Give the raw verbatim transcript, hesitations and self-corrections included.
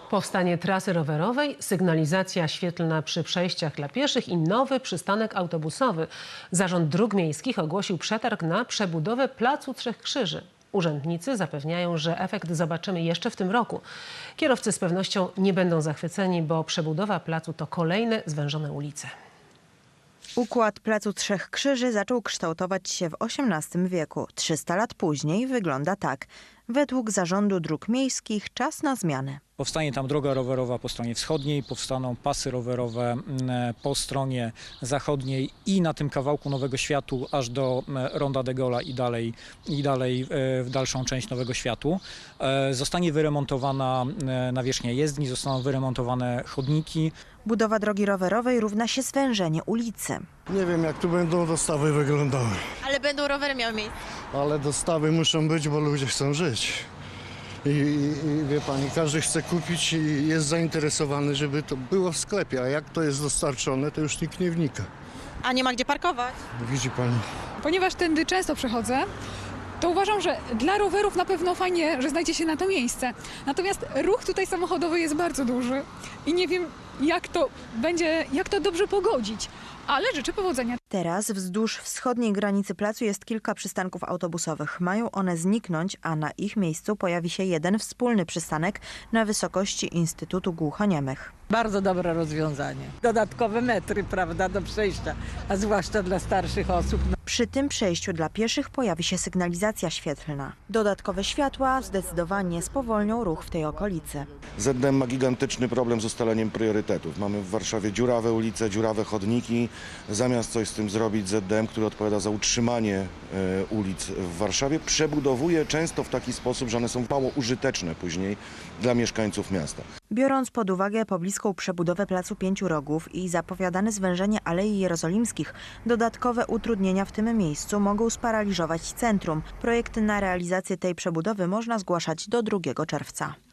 Powstanie trasy rowerowej, sygnalizacja świetlna przy przejściach dla pieszych i nowy przystanek autobusowy. Zarząd Dróg Miejskich ogłosił przetarg na przebudowę Placu Trzech Krzyży. Urzędnicy zapewniają, że efekt zobaczymy jeszcze w tym roku. Kierowcy z pewnością nie będą zachwyceni, bo przebudowa placu to kolejne zwężone ulice. Układ Placu Trzech Krzyży zaczął kształtować się w osiemnastym wieku. trzysta lat później wygląda tak. Według Zarządu Dróg Miejskich czas na zmianę. Powstanie tam droga rowerowa po stronie wschodniej, powstaną pasy rowerowe po stronie zachodniej i na tym kawałku Nowego Światu aż do Ronda de Gaulle'a i dalej, i dalej w dalszą część Nowego Światu. Zostanie wyremontowana nawierzchnia jezdni, zostaną wyremontowane chodniki. Budowa drogi rowerowej równa się zwężenie ulicy. Nie wiem, jak tu będą dostawy wyglądały, Ale będą rowery miały miejsce. ale dostawy muszą być, bo ludzie chcą żyć. I, i, I wie pani, każdy chce kupić i jest zainteresowany, żeby to było w sklepie, a jak to jest dostarczone, to już nikt nie wnika. A nie ma gdzie parkować. Widzi pani. Ponieważ tędy często przechodzę, to uważam, że dla rowerów na pewno fajnie, że znajdzie się na to miejsce. Natomiast ruch tutaj samochodowy jest bardzo duży i nie wiem, jak to będzie, jak to dobrze pogodzić, ale życzę powodzenia. Teraz wzdłuż wschodniej granicy placu jest kilka przystanków autobusowych. Mają one zniknąć, a na ich miejscu pojawi się jeden wspólny przystanek na wysokości Instytutu Głuchoniemych. Bardzo dobre rozwiązanie. Dodatkowe metry, prawda, do przejścia, a zwłaszcza dla starszych osób. Przy tym przejściu dla pieszych pojawi się sygnalizacja świetlna. Dodatkowe światła zdecydowanie spowolnią ruch w tej okolicy. Z D M ma gigantyczny problem z ustaleniem priorytetów. Mamy w Warszawie dziurawe ulice, dziurawe chodniki. Zamiast coś z tym zrobić, Z D M, który odpowiada za utrzymanie e, ulic w Warszawie, przebudowuje często w taki sposób, że one są mało użyteczne później dla mieszkańców miasta. Biorąc pod uwagę pobliską przebudowę Placu Pięciu Rogów i zapowiadane zwężenie Alei Jerozolimskich, dodatkowe utrudnienia w tym miejscu mogą sparaliżować centrum. Projekty na realizację tej przebudowy można zgłaszać do drugiego czerwca.